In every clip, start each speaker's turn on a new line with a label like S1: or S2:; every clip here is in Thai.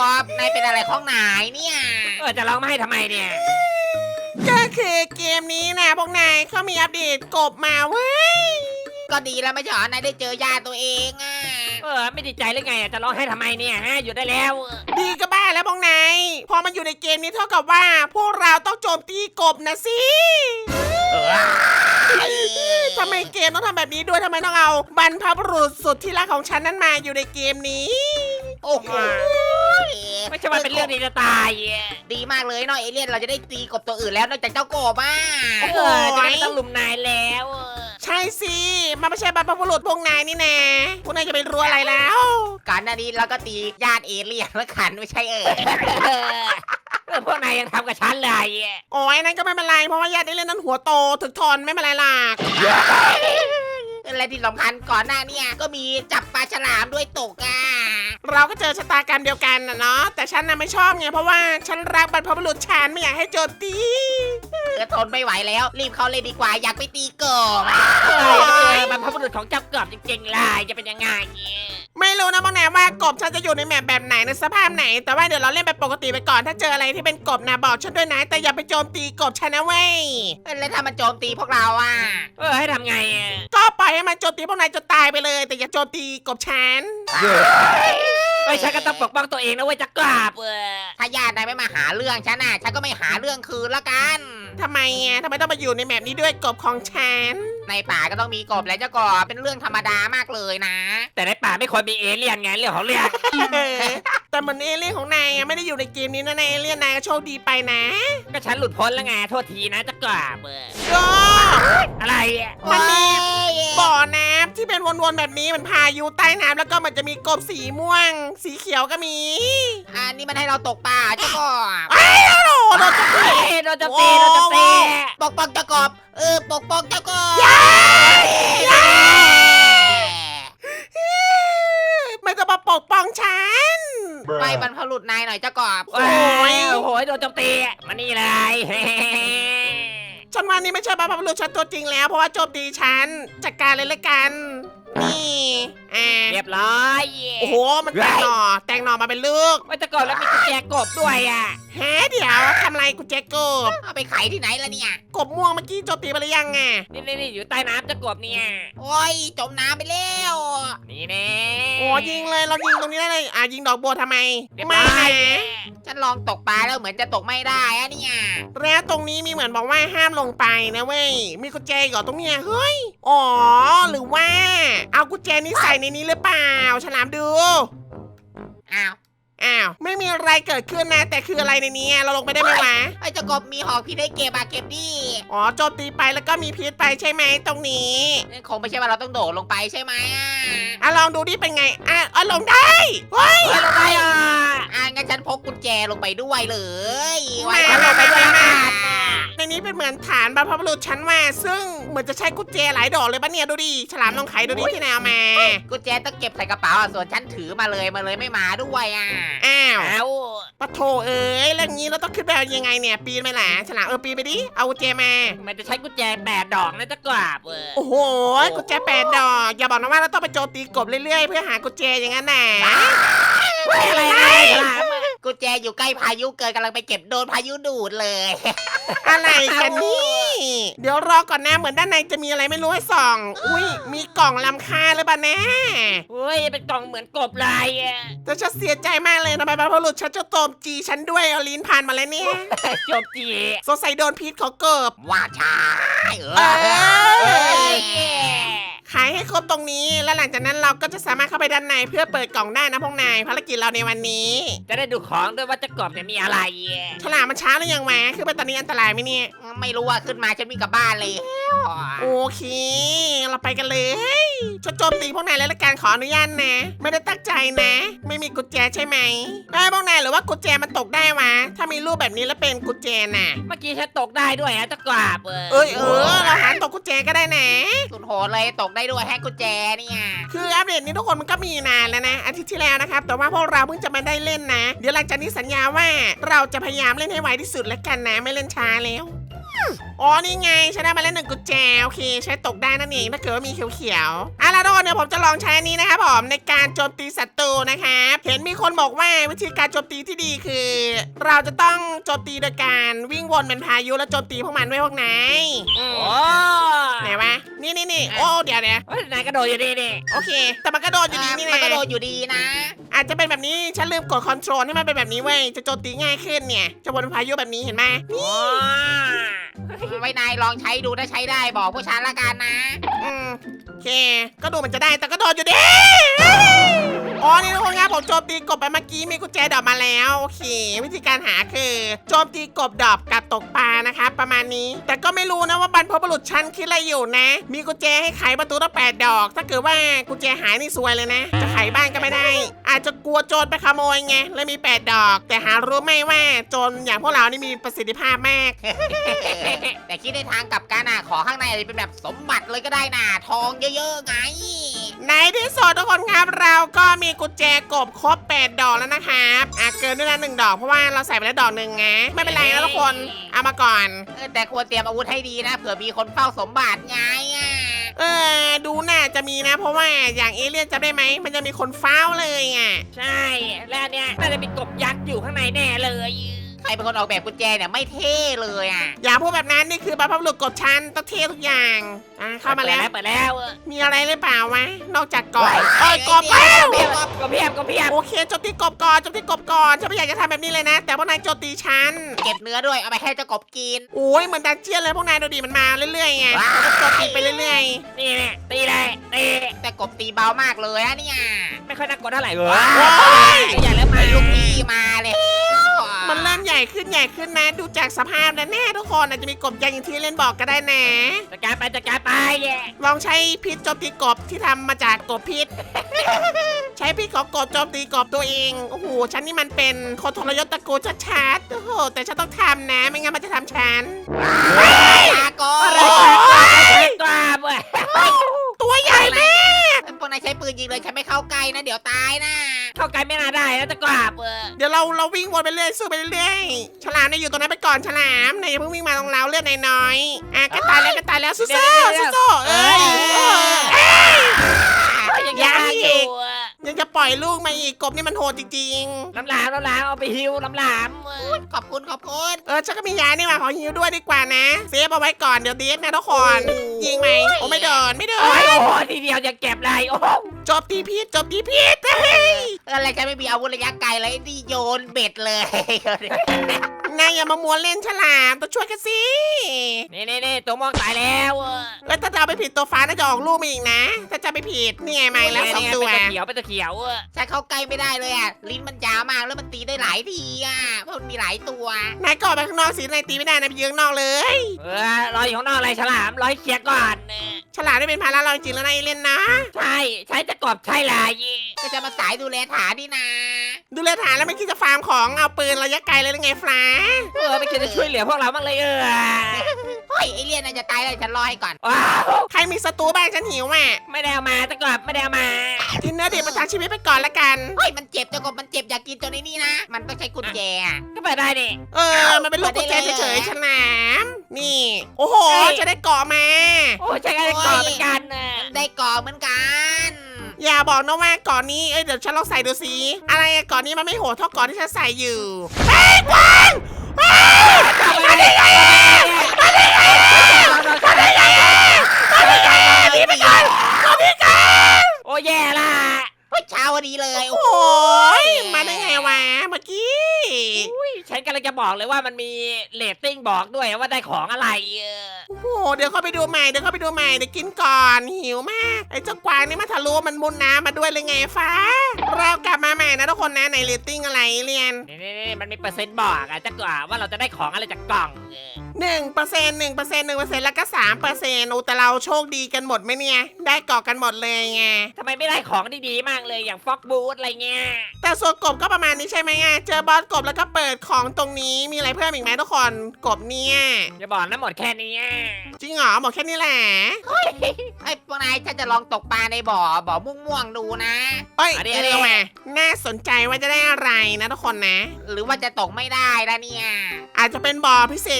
S1: อบนายเป็นอะไรของนายเนี่ย
S2: จะร้องมาให้ทำไมเนี่ย
S3: ก็คือเกมนี้นะพวกนายเขามีอัปเดตกบมาเว้ย
S1: ก็ดีแล้วไม่ใช่เหรอนายได้เจอญาติตัวเองอ่ะ
S2: ไม่ดีใจหรือไงจะร้องให้ทำไมเนี่ยฮะหยุดได้แล้ว
S3: ดีก็บ้าแล้วพวกนายพอมันอยู่ในเกมนี้เท่ากับว่า พวกเราต้องโจมตีกบนะสิทำไมเกมต้องทำแบบนี้ด้วยทำไมต้องเอาบรรพบุรุษสุดที่รักของฉันนั้นมาอยู่ในเกมนี้
S1: โอ้โห
S2: ไม่ใช่ว่าเป็นเรื่องดีจะตาย
S1: ดีมากเลยเนาะเอเลี่ยนเราจะได้ตีกบตัวอื่นแล้วนอกจากเจ้ากบอ่ะ
S2: จะไม่ต้องลุมนายแล้ว
S3: ใช่สิมันไม่ใช่บรรพบุรุษพวกนายนี่นะพวกนายจะไปรู้อะไรแล้ว
S1: ก่อนหน้านี้เราก็ตีญาติเอเลี่ยนแล้วขันไม่ใช่
S2: พวกนายยังทำกับฉันเลย
S3: โอ้ยนั่นก็ไม่เป็นไรเพราะว่าญาติได้เล่นนั้นหัวโตถึกทนไม่เป็นไรหรอก
S1: และที่สำคัญก่อนหน้าเนี่ยก็มีจับปลาฉลามด้วยตกอ่ะ
S3: เราก็เจอชะตากรรมเดียวกันนะเนาะแต่ฉันน่ะไม่ชอบไงเพราะว่าฉันรักบรรพบุรุษฉันไม่อยากให้โจมตี
S1: ทนไม่ไหวแล้วรีบเข้าเลยดีกว่าอยากไปตีกบ
S2: บรรพบุรุษของเจ้ากบจริงๆเลยจะเป็นยังไง
S3: ไม่รู้นะบางแนว่ากบฉันจะอยู่ในแบบไหนในสภาพไหน แต่ว่าเดี๋ยวเราเล่นแบบปกติไปก่อนถ้าเจออะไรที่เป็นกบนะบอกฉันด้วยนะแต่อย่าไปโจมตีกบฉันนะเว้ย
S1: แล้วถ้ามันโจมตีพวกเราอ่ะ
S2: ให้ทำไง
S3: ก็ปล่อยให้มันโจมตีพวกนายจนตายไปเลย แต่อย่าโจมตีกบฉัน
S2: ฉันก็ต้องปกป้องตัวเองนะเว้ยจะกราบ
S1: ถ้าญาตินายไม่มาหาเรื่องฉันน่ะฉันก็ไม่หาเรื่องคืนละกัน
S3: ทำไมอ่ะทำไมต้องมาอยู่ในแบบนี้ด้วยกบของฉัน
S1: ในป่าก็ต้องมีกบและเจ้ากบเป็นเรื่องธรรมดามากเลยนะ
S2: แต่ในป่าไม่ควรมีเอเลี่ยนไงเรื่องของเรื่อง
S3: แต่เหมือนเอเลี่ยนของนายไม่ได้อยู่ในเกมนี้นะนายเอเลี่ยนนายก็โชคดีไปนะ
S2: ก็ฉันหลุดพ้นแล้วไงโทษทีนะจะกราบ
S3: ก็
S2: อะไร
S3: มันมีบ่อน้ำที่เป็นวนๆแบบนี้มันพายุใต้น้ำแล้วก็มันจะมีกบสีม่วง สีเขียวก็มี
S1: อันนี้มันให้เราตกป่าเจ้ากบ
S3: โอ้โหโดนจับ
S2: โดนจะตีโดนจะตี
S1: ปกป้องเจ้ากบปกป้องเจ้ากบ
S3: มันจะมาปกป้องฉัน
S1: ไปบรรพบุรุษนายหน่อยเจ้ากบ
S2: โอ้โหโดนโจมตีมานี่เลย
S3: ฉันว่านี่ไม่ใช่บรรพบุรุษฉันตัวจริงแล้วเพราะว่าโจมตีฉันจัดการเลยละกันนี่
S2: เรียบร้อย
S3: โอ้โหมันแตงหน่อมาเป็นลูก
S2: ว่าจะกบแล้วมีกุญแจกบด้วยอ่ะ
S3: ฮะเดี๋ยวทำไรกูแจ็คกบ
S1: เอาไปขายที่ไหนล่ะเนี่ย
S3: กบม่วงเมื่อกี้โจมตีไปหรือยังอ่ะ
S2: นี่อยู่ใต้น้ำจะกบเนี่ย
S1: โอ้ยจมน้ำไปแล้ว
S2: นี่แน่
S3: โอ้ยิงเลยเรายิงตรงนี้ได้เลยยิงดอกบัวทำไม
S2: เรียบ
S3: ไม่
S2: ร้อย
S3: นะ
S1: ฉันลองตกปลาแล้วเหมือนจะตกไม่ได้อะเนี่ย
S3: แล้วตรงนี้มีเหมือนบอกว่าห้ามลงไปนะเว้ยมีกุญแจอยู่ตรงเนี้ยเฮ้ยอ๋อหรือว่า เอากุญแจนี้ใส่ในนี้หรือเปล่าฉลามดู
S1: อ้าว
S3: ไม่มีอะไรเกิดขึ้นนะ แต่คืออะไรในนี้เราลงไปได้ไหมวะ
S1: ไอ้เจ้ากบมีหอกพี่ได้เก็บอะเก็บดิ
S3: อ๋อโจมตีไปแล้วก็มีพิษไปใช่ไหมตรงนี้
S1: คงไม่ใช่ว่าเราต้องโดดลงไปใช่ไหม
S3: ลองดูดิเป็นไงลงได้เฮ้ย
S2: ลงไปอ่ะ
S1: งั้นฉันพกกุญแจลงไปด้วยเลย
S3: ไม่
S1: ฉันลงไปด้วยนะ
S3: ในนี้เป็นเหมือนฐานบรรพบุรุษชั้นว่าซึ่งเหมือนจะใช้กุญแจหลายดอกเลยปะเนี่ยดูดิฉลามลองไขดูดิที่แนวมา
S1: กุญแจต้องเก็บใส่กระเป๋าส่วนฉันถือมาเลยไม่มาด้วยอ่ะ
S3: อ้าว
S2: เอา
S3: ปะโถเอ้ยแล้วงี้เราต้องขึ้นไปยังไงเนี่ยปีนไหมล่ะฉลามปีนไปดิเอากุญแจมา
S2: มันจะใช้กุญแจ8 ดอกนะจะกราบ
S3: โอ้โหกุญแจ8 ดอกอย่าบอกนะว่าเราต้องไปโจมตีกบเรื่อยๆเพื่อหากุญแจอย่างนั้นน่ะ
S2: อะไรฉลาม
S1: กุญแจอยู่ใกล้พายุเกิดกำลังไปเก็บโดนพายุดูดเลย
S3: อะไรกันนี่เดี๋ยวรอก่อนนะเหมือนด้านในจะมีอะไรไม่รู้ให้ส่องอุ้ยมีกล่องล้ำค่าหรือเปล่านะ
S2: เฮ้ยเป็นกล่องเหมือนกบลายอ่ะ
S3: แต่ฉันเสียใจมากเลยทำไมบรรพบุรุษฉันจะโจมจีฉันด้วยเอาลิ้นผ่านมาแล้วเนี่ย
S2: โจมตี
S3: สงสัยโดนพิษของเกิบ
S1: ว่าช้า
S3: ขายให้ครบตรงนี้แล้วหลังจากนั้นเราก็จะสามารถเข้าไปด้านในเพื่อเปิดกล่องได้นะพวกนายภารกิจเราในวันนี้
S2: จะได้ดูของด้วยว่าจะกบเนี่ยมีอะไร
S3: ฉลามมันช้าหรือยังวะคือไปตอนนี้อันตรายไหมเนี่ย
S1: ไม่รู้ว่าขึ้นมาฉันวิ่งกลับบ้านเลย
S3: โอเค เราไปกันเลยฉันโจมตีพวกนายแล้วละกันขออนุญาตนะ ไม่ได้ตั้งใจนะ ไม่มีกุญแจใช่ไหมได้พวกนายหรือว่ากุญแจมันตกได้วะถ้ามีรูปแบบนี้แล้วเป็นกุญแจน่ะ
S2: เมื่อกี้ฉันตกได้ด้วยฮะจะกราบ
S3: เราหาตกกุญแจก็ได้นะ
S1: สุดโหดเลยตกได้ด้วยแฮกกุญแจเนี่ย
S3: คืออัปเดตนี้ทุกคนมันก็มีนานแล้วนะอาทิตย์ที่แล้วนะครับแต่ว่าพวกเราเพิ่งจะมาได้เล่นนะ เดี๋ยวหลังจากนี้สัญญาว่าเราจะพยายามเล่นให้ไวที่สุดแล้วกันนะไม่เล่นช้าแล้วอ๋อนี่ไงฉันได้มาแล้ว1กุญแจโอเคใช้ตกได้นั่นเองถ้าเกิดว่ามีเขียวๆอ่ะแล้วทุกคนเดี๋ยวผมจะลองใช้อันนี้นะครับผมในการโจมตีศัตรูนะครับเห็นมีคนบอกว่าวิธีการโจมตีที่ดีคือ เราจะต้องโจมตีโดยการวิ่งวนเป็นพายุแล้วโจมตีพวกมันด้วยพวกนาย
S2: โอ้
S3: ไหนวะนี่โอ้เดี๋ยว
S2: เฮ้ยนายกระโดดอยู่ดีนี่
S3: โอเค แต่มันก็โดนอยู่ดีนี่
S1: มัน
S3: นะ
S1: ก็โดนอยู่ดีนะ
S3: อาจจะเป็นแบบนี้ฉันลืมกดคอนโทรลให้มันเป็นแบบนี้เว้ยจะโจมตีง่ายขึ้นเนี่ยจะวนเป็นพายุแบบนี้เห็นไหม
S2: โอ้
S1: ไว้นายลองใช้ดูถ้าใช้ได้บอกผู้ชันละกันนะ
S3: โอเค ก็ดูมันจะได้แต่ก็โดนอยู่ดีอ๋อนี่ทุกคนครับผมโจมตีกบไปเมื่อกี้มีกุญแจดอกมาแล้วโอเค วิธีการหาคือโจมตีกบดอกกับตกปลานะครับประมาณนี้ แต่ก็ไม่รู้นะว่าบรรพบุรุษชั้นคิดอะไรอยู่นะ มีกุญแจให้ไขประตูตั้ง8 ดอก ถ้าเกิดว่ากุญแจหายนี่ซวยเลยนะ จะไขบ้านก็ไม่ได้ อาจจะกลัวโจรไปขโมยไงเลยมี8 ดอก แต่หารู้ไหมว่าโจรอย่างพวกเรานี่มีประสิทธิภาพมาก
S1: แต่คิดในทางกลับกันขอข้างในอาจจะเป็นแบบสมบัติเลยก็ได้นะทองเยอะๆไง
S3: ในที่สุดทุกคนครับเราก็มีกุญแจกบครบ8 ดอกแล้วนะครับเกินด้วยนะ1 ดอกเพราะว่าเราใส่ไปแล้วดอกหนึ่งไงไม่เป็นไรนะทุกคนเอามาก่อน
S1: แต่ควรเตรียมอาวุธให้ดีนะเผื่อมีคนเฝ้าสมบัติไง
S3: ดูน่าจะมีนะ เพราะว่าอย่างเอเลี่ยนจำได้ไหมมันจะมีคนเฝ้าเลยอ่ะ
S2: ใช่แล้วอันเนี่ยน่าจะมีกบยักษ์อยู่ข้างในแน่เลย
S1: ใครเป็นคนออกแบบกุญแจเนี่ยไม่เท่เลยอ่ะ
S3: อย่าพูดแบบนั้นนี่คือบรรพบุรุษกดชั้นต้องเท่ทุกอย่างเข้ามาแล้ว
S2: เปิดแล้ว
S3: มีอะไรหรือเปล่าวะนอกจากกบกบ
S2: ก็เพียบ
S3: โอเคโจมตีกบก่อนโจมตีกบก่อนฉันไม่อยากจะทำแบบนี้เลยนะ แต่พวกนายโจมตีฉัน
S1: เก็บเนื้อด้วยเอาไปให้เจ้ากบกิน
S3: โอ้ยเหมือนดันเจียนเลยพวกนายดูดิมันมาเรื่อยๆไง
S1: ว้าว
S3: โจมตีไปเรื่อย
S2: นี่แหละตีเลยตี
S1: แต่กบตีเบามากเลยอะเนี่ย
S2: ไม่ค่อยน่ากลัวเท่าไหร่เว้ย
S1: อย่าเริ่มมาลูกพี่มาเลย
S3: ๆมันเริ่มใหญ่ขึ้นนะดูจากสภาพแล้วแน่ทุกคนอาจจะมีกบยักษ์อย่างที่เล่นบอกก็ได้นะ
S2: จัดการไป
S3: ลองใช้พิษโจมตีกบที่ทำมาจากกบพิษ ใช้พิษของกบโจมตีกบตัวเองโอ้โหฉันนี่มันเป็นคนทรยศตระกูลชัดๆโอ้โหแต่ฉันต้องทำนะไม่งั้นมันจะทำฉัน
S1: ตาก
S2: อะไร
S1: บ
S2: กล้าเว้ย
S3: ตัวใหญ่มาก
S1: พวกนายใช้ปืนยิงเลยฉันไม่เข้าใกล้นะเดี๋ยวตายนะ
S2: เข้าใกล้ไม่น่าได้นะจะกล้าเว้ย
S3: เดี๋ยวเราวิ่งวนไปเรื่อยสู้ไปเรื่อยฉลามเนี่ยอยู่ตรงนั้นไปก่อนฉลามนายอย่าเพิ่งวิ่งมาตรงเราเลือดน้อยๆก็ตายแล้วสู้ๆเอ้ย
S2: ยังอยู่
S3: ยังจะปล่อยลูกมาอีกกบนี่มันโหดจริง
S2: ลำหลามเอาไปฮิวลำหลาม
S1: ขอบคุณ
S3: ฉันก็มียานี่มาขอฮิวด้วยดีกว่านะเซฟเอาไว้ก่อนเดี๋ยวเดฟนะทุกคนยิงไหมโอ้ไม่เดิน
S2: โอ้โหทีเดียวจะเก็บเลยโอ้
S3: จบตีพิษ
S1: อะไรฉันไม่มีอาวุธระยะไกลเลยนี่โยนเบ็ดเลย
S3: นายอย่ามามัวเล่นฉลามต้องช่วยกันสิ
S2: นี่ตัวมองตายแล้ว
S3: แล้วถ้าจะเอาไปผิดตัวฟ้าน่าจะออกลูกมาอีกนะ ถ้าจะไปผิดนี่ไงไม่แล้ว2 ตัว
S2: เป็นตะเขียว
S1: ฉันเข้าใกล้ไม่ได้เลยอ่ะลิ้นมันยาวมากแล้วมันตีได้หลายทีอ่ะเพราะมันมีหลายตัวน
S3: ายก็ออกไปข้างนอกสินายตีไม่ได้นายไปยืนข้างนอกเลย
S2: รออยู่ข้างนอกอะไรฉลามรอให้เคลียร์ก่อน
S3: ฉลามได้เป็นภาระเราจริงแล้วนายเล่นนะ
S2: ใช้จะกบใช่ลาย
S1: ก็จะมาสายดูแลฐานนี่นา
S3: ดูแลฐานแล้วไม่คิดจะฟาร์มของเอาปืนระยะไกลเลยหรือไงฟ้า
S2: ไม่คิดจะช่วยเหลือพวกเราบ้างเลย
S1: เฮ้ยไอเลี่ยนน่าจะตายแล้วฉันรอให้ก่อน
S2: ว้าว
S3: ใครมีศัตรูบ้างฉันหิวอ่ะ
S2: ไม่ได้เอามาจะกบไม่ได้เอามา
S3: กินเนื้อดิบประทังชีวิตไปก่อนละกัน
S1: เฮ้ยมันเจ็บเจ้ากบมันเจ็บอยากกินตัวนี้นี่นะมันต้องใช้กุญแจอะ
S2: ก็เปิดได้ดิ
S3: มันเป็นลูกกุญแจเฉยๆฉลามนี่ โอ้โหจะได้เกาะมา
S2: โอ้ใช้การกบเหมือนกัน
S1: ได้กรอบเหมือนกัน
S3: อย่าบอกนะว่าก่อนนี้เดี๋ยวฉันลองใส่ดูสิอะไรก่อนนี้มันไม่โหดเท่าก่อนที่ฉันใส่อยู่เฮ้ยกวางอะไรไงนี่ไปก่อน
S2: โอ้แย่ละ
S1: เฮ้ยเช้าวันนี้เลย
S3: โอ้ยมาได้ไงวะเมื่อกี้
S2: ฉันกำลังจะบอกเลยว่ามันมีเรตติ้งบอกด้วยว่าได้ของอะไร
S3: โอ้โหเดี๋ยวเข้าไปดูใหม่เดี๋ยวกินก่อนหิวมากไอ้เจ้ากวางนี่มาทะลุมันมุนน้ำมาด้วยเลยไงฟ้าเรากลับมาใหม่นะทุกคนนะในเรตติ้งอะไรเรียน
S2: นี่มันมีเปอร์เซ็นต์บอกจะกว่าเราจะได้ของอะไรจากกล่อง
S3: 1%แล้วก็3%โอ้แต่เราโชคดีกันหมดไหมเนี่ยได้เกาะกันหมดเลยไง
S2: ทำไมไม่ได้ของดีๆมากเลยอย่างฟ็อกบูธอะไรเงี้ย
S3: แต่ส่วนกบก็ประมาณนี้ใช่ไหมเจอบอสกบแล้วก็เปิดของตรงนี้มีอะไรเพิ่มอีกไหมทุกคนกบเนี่ย
S2: อย่าบอกนะหมดแค่นี้
S3: จริงเหรอหมดแค่นี้แหละ
S1: ไอ้พวกนายฉันจะลองตกปลาในบ่อม่วงๆดูนะ
S3: เอ้ยมาน่าสนใจว่าจะได้อะไรนะทุกคนนะ
S1: หรือว่าจะตกไม่ได้ละเนี่ย
S3: อาจจะเป็นบ่อพิเศษไงฉลาม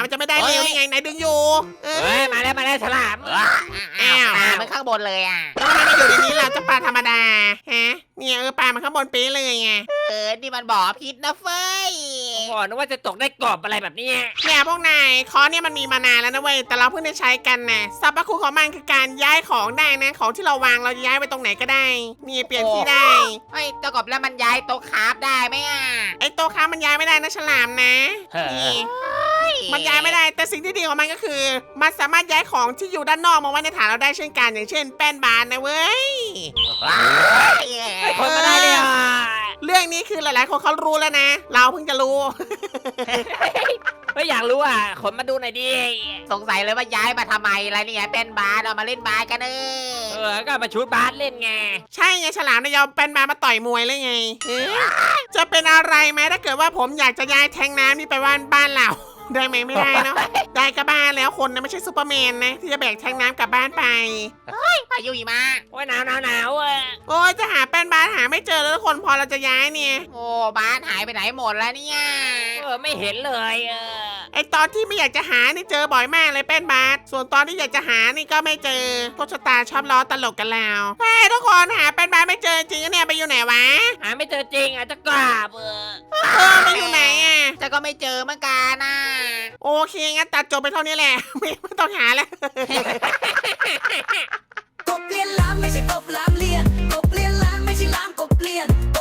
S3: มันจะไม่ได้เร็วนี่ไงนายดึงอยู่เออ
S2: เฮ้ยมาแล้วฉลาม
S1: อ้าวปลามันข้างบนเลยอ่ะ
S3: แล้วทำไมมันอยู่ในนี้ล่ะเจ้าปลาธรรมดาฮะเนี่ยปลามันข้างบนเป๊ะเลยไง
S1: นี่มันบ่อพิษนะเฟ้ย
S2: โอ้นึกว่าจะตกได้กบอะไรแบบเนี้ย
S3: เนี่ยพวกนายค้อนเนี่ยมันมีมานานแล้วนะเว้ยแต่เราเพิ่งได้ใช้กันนะสรรพคุณของมันคือการย้ายของได้นะของที่เราวางเราจะย้ายไปตรงไหนก็ได้นี่เปลี่ยนที่ได้
S1: เฮ้ยเจ้ากบแล้วมันย้ายโต๊ะคราฟได้ไหมอ่ะ
S3: ไอ้โต๊ะค้ามันย้ายไม่ได้นะฉลามนะ
S2: เฮ้ย
S3: นี่มันย้ายไม่ได้แต่สิ่งที่ดีของมันก็คือ มันสามารถย้ายของที่อยู่ด้านนอกมาไว้ในฐานเราได้เช่นกันอย่างเช่นแป้นบานนะเว้ย
S2: ไอ้คนมาได้เลยอ่ะ
S3: เรื่องนี้คือหลายๆคนเขารู้แล้วนะ เราเพิ่งจะรู้
S2: ไม่อยากรู้อ่ะขนมาดูหน่อยดิ
S1: สงสัยเลยว่าย้ายมาทำไมอะไรเนี่ยเป็นบาสเอามาเล่นบาสกัน
S2: ก็มาชุดบาสเล่นไง
S3: ใช่ไงฉลามนายยอมเป็นมาต่อยมวยเลยไงจะเป็นอะไรไหมถ้าเกิดว่าผมอยากจะย้ายแทงน้ำนี่ไปบ้านเรา ได้ไหมไม่ได้เนาะ ได้ก็บ้านแล้วคนนะไม่ใช่ซูเปอร์แมนนะที่จะแบกแทงน้ำกลับบ้านไป
S1: พายุหิมะ
S2: โอ้ยหนาวอ่ะ
S3: โอ้ยจะหาแป้นบ้านหาไม่เจอแล้วทุกคนพอเราจะย้ายเนี่ย
S1: โอ้บาสหายไปไหนหมดแล้วเนี่ย
S2: ไม่เห็นเลย
S3: ไอตอนที่ไม่อยากจะหานี่เจอบ่อยมากเลยแป้นบาสส่วนตอนที่อยากจะหานี่ก็ไม่เจอโชคชะตาชอบล้อตลกกันแล้วเฮ้ยทุกคนหาแป้นบาสไม่เจอจริงเนี่ยไปอยู่ไหนวะ
S2: หาไม่เจอจริงอ่ะจะกราบ
S3: ไปอยู่ไหนอ่ะ
S1: จะก็ไม่เจอเหมือนกันนะ
S3: โอเคงั้นตัดจบไปเท่านี้แหละ ไม่ต้องหาแล้ว
S4: กบเลียนล้านไม่ใช่กบล้านเลียนกบเลียนล้านไม่ใช่ล้านกบเลียน